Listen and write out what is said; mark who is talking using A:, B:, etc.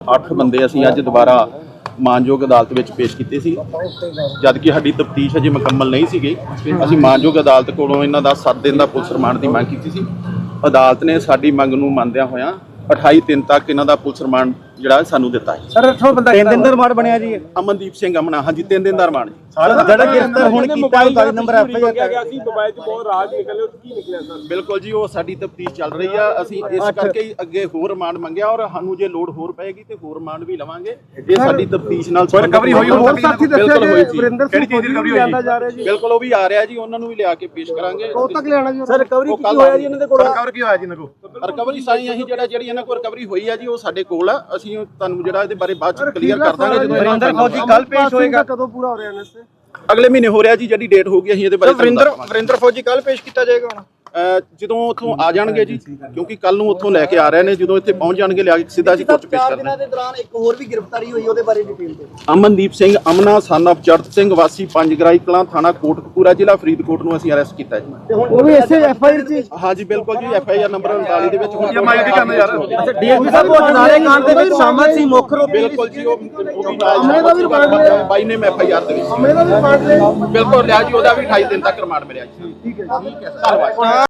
A: 8 ਬੰਦੇ ਅਸੀਂ ਅੱਜ ਦੁਬਾਰਾ ਮਾਨਯੋਗ ਅਦਾਲਤ ਵਿੱਚ ਪੇਸ਼ ਕੀਤੇ ਸੀ। ਜਦ ਕਿ ਸਾਡੀ ਤਫਤੀਸ਼ ਅਜੇ ਮੁਕੰਮਲ ਨਹੀਂ ਸੀ ਗਈ। ਅਸੀਂ ਮਾਨਯੋਗ ਅਦਾਲਤ ਕੋਲੋਂ ਇਹਨਾਂ ਦਾ 7 ਦਿਨ ਦਾ ਪੁਲਿਸ ਰਿਮਾਂਡ ਦੀ ਮੰਗ ਕੀਤੀ ਸੀ। ਅਦਾਲਤ ਨੇ ਸਾਡੀ ਮੰਗ ਨੂੰ ਮੰਨਦਿਆਂ ਹੋਇਆਂ 28 ਦਿਨ ਤੱਕ ਇਹਨਾਂ ਦਾ ਪੁਲਿਸ ਰਿਮਾਂਡ ਜਿਹੜਾ ਸਾਨੂੰ ਦਿੱਤਾ ਹੈ।
B: ਸਰ 8 ਬੰਦਾ 3 ਦਿਨ ਦਾ ਰਿਮਾਂਡ ਬਣਿਆ ਜੀ।
A: ਅਮਨਦੀਪ ਸਿੰਘ ਅਮਨਾ, ਹਾਂਜੀ 3 ਦਿਨ ਦਾ ਰਿਮਾਂਡ ਜੀ।
B: ਜਿਹੜਾ ਗ੍ਰਿਫਤਾਰ ਹੁਣ ਕੀਤਾ 39 ਨੰਬਰ ਐਫਆਈਆਰ
C: ਗਿਆ ਸੀ ਮੋਬਾਈਲ 'ਚ ਬਹੁਤ ਰਾਜ ਨਿਕਲੇ, ਉਹ ਕੀ ਨਿਕਲਿਆ ਸਰ?
A: ਬਿਲਕੁਲ ਜੀ, ਉਹ ਸਾਡੀ ਤਫਤੀਸ਼ ਚੱਲ ਰਹੀ ਆ। ਅਸੀਂ ਇਸ ਕਰਕੇ ਹੀ ਅੱਗੇ ਹੋਰ ਰਿਮਾਂਡ ਮੰਗਿਆ ਔਰ ਸਾਨੂੰ ਜੇ ਲੋੜ ਹੋਰ ਪਏਗੀ ਤੇ ਹੋਰ ਰਿਮਾਂਡ ਵੀ ਲਵਾਂਗੇ। ਇਹ ਸਾਡੀ ਤਫਤੀਸ਼ ਨਾਲ
B: ਰਿਕਵਰੀ ਹੋਈ
A: ਹੋਰ ਸਾਥੀ
B: ਬਿਲਕੁਲ ਹੋਈ ਸੀ। ਕਿਹੜੀ ਚੀਜ਼ ਦੀ ਰਿਕਵਰੀ ਹੋਈ
C: ਜਾ ਰਿਹਾ ਜੀ?
A: ਬਿਲਕੁਲ ਉਹ ਵੀ ਆ ਰਿਹਾ ਜੀ, ਉਹਨਾਂ ਨੂੰ ਵੀ ਲਿਆ ਕੇ ਪੇਸ਼ ਕਰਾਂਗੇ।
C: ਕਦੋਂ ਤੱਕ ਲਿਆਣਾ ਜੀ? ਸਰ ਰਿਕਵਰੀ ਕੀ ਹੋਇਆ ਜੀ ਇਹਨਾਂ ਦੇ ਕੋਲ?
B: ਰਿਕਵਰ ਕੀ ਹੋਇਆ ਜੀ ਇਹਨਾਂ ਕੋਲ?
A: ਰਿਕਵਰੀ ਸਾਈ ਅਸੀਂ ਜਿਹੜੀ ਇਹਨਾਂ ਕੋਲ ਰਿਕਵਰੀ ਹੋਈ ਆ ਜੀ, ਉਹ ਸਾਡੇ ਕੋਲ ਆ। ਅਸੀਂ ਤੁਹਾਨੂੰ ਜਿਹੜਾ ਇਹਦੇ ਬਾਰੇ ਬਾਅਦ ਚ ਕਲੀਅਰ ਕਰ ਦਾਂਗੇ ਜਦੋਂ
B: ਵਰਿੰਦਰ ਫੌਜੀ ਕੱਲ ਪੇਸ਼ ਹੋਏਗਾ।
C: ਕਦੋਂ ਪੂਰਾ ਹੋ ਰਿਹਾ ਇਹਨਾਂ ਸੇ?
A: ਅਗਲੇ ਮਹੀਨੇ ਹੋ ਰਿਹਾ ਜੀ, ਜਿਹੜੀ ਡੇਟ ਹੋਊਗੀ ਅਸੀਂ ਇਹਦੇ ਬਾਰੇ
B: ਵਰਿੰਦਰ ਫੌਜੀ ਕੱਲ ਪੇਸ਼ ਕੀਤਾ ਜਾਏਗਾ ਹੁਣ
A: ਜਦੋਂ ਉੱਥੋਂ ਆ ਜਾਣਗੇ ਜੀ, ਕਿਉਂਕਿ ਕੱਲ ਨੂੰ ਉੱਥੋਂ ਲੈ ਕੇ ਆ ਰਹੇ ਨੇ। ਜਦੋਂ ਇੱਥੇ ਪਹੁੰਚ ਜਾਣਗੇ ਲਿਆ ਕੇ ਸਿੱਧਾ ਅਸੀਂ ਕੋਰਟ 'ਚ ਪੇਸ਼ ਕਰਨਾ।
C: ਦੇ ਦੌਰਾਨ ਇੱਕ ਹੋਰ ਵੀ ਗ੍ਰਿਫਤਾਰੀ ਹੋਈ, ਉਹਦੇ ਬਾਰੇ ਡਿਟੇਲ ਦਿਓ।
A: ਅਮਨਦੀਪ ਸਿੰਘ ਅਮਨਾ ਸਨ ਆਫ ਚੜਤ ਸਿੰਘ ਵਾਸੀ ਪੰਜ ਗਰਾਈ ਕਲਾਂ ਥਾਣਾ ਕੋਟਕਪੂਰਾ ਜ਼ਿਲ੍ਹਾ ਫਰੀਦਕੋਟ ਨੂੰ ਅਸੀਂ ਅਰੈਸਟ ਕੀਤਾ ਜੀ।
C: ਉਹ ਵੀ ਇਸੇ ਐਫਆਈਆਰ 'ਚ?
A: ਹਾਂਜੀ ਬਿਲਕੁਲ ਜੀ, ਐਫਆਈਆਰ ਨੰਬਰ 39 ਦੇ ਵਿੱਚ
B: ਅੱਛਾ ਡੀਐਸਪੀ ਸਾਹਿਬ ਉਹ ਨਾਲੇ ਕਾਂਡ ਦੇ ਵਿੱਚ ਸ਼ਾਮਲ ਸੀ ਮੁੱਖ ਰੂਪ
A: ਬਿਲਕੁਲ ਜੀ, ਉਹ ਨਾਲ ਬਾਈ ਨੇ ਐਫਆਈਆਰ ਦੇ ਵਿੱਚ
C: ਮੇਰਾ ਵੀ ਪਾਰਟ ਲੈ
A: ਬਿਲਕੁਲ ਲਿਆ ਜੀ। ਉਹਦਾ ਵੀ 28 ਦਿਨ ਤੱਕ ਰਿਮਾਂਡ ਮਿਲਿਆ ਜੀ।
C: ਠੀਕ ਹੈ
A: ਧੰਨਵਾਦ।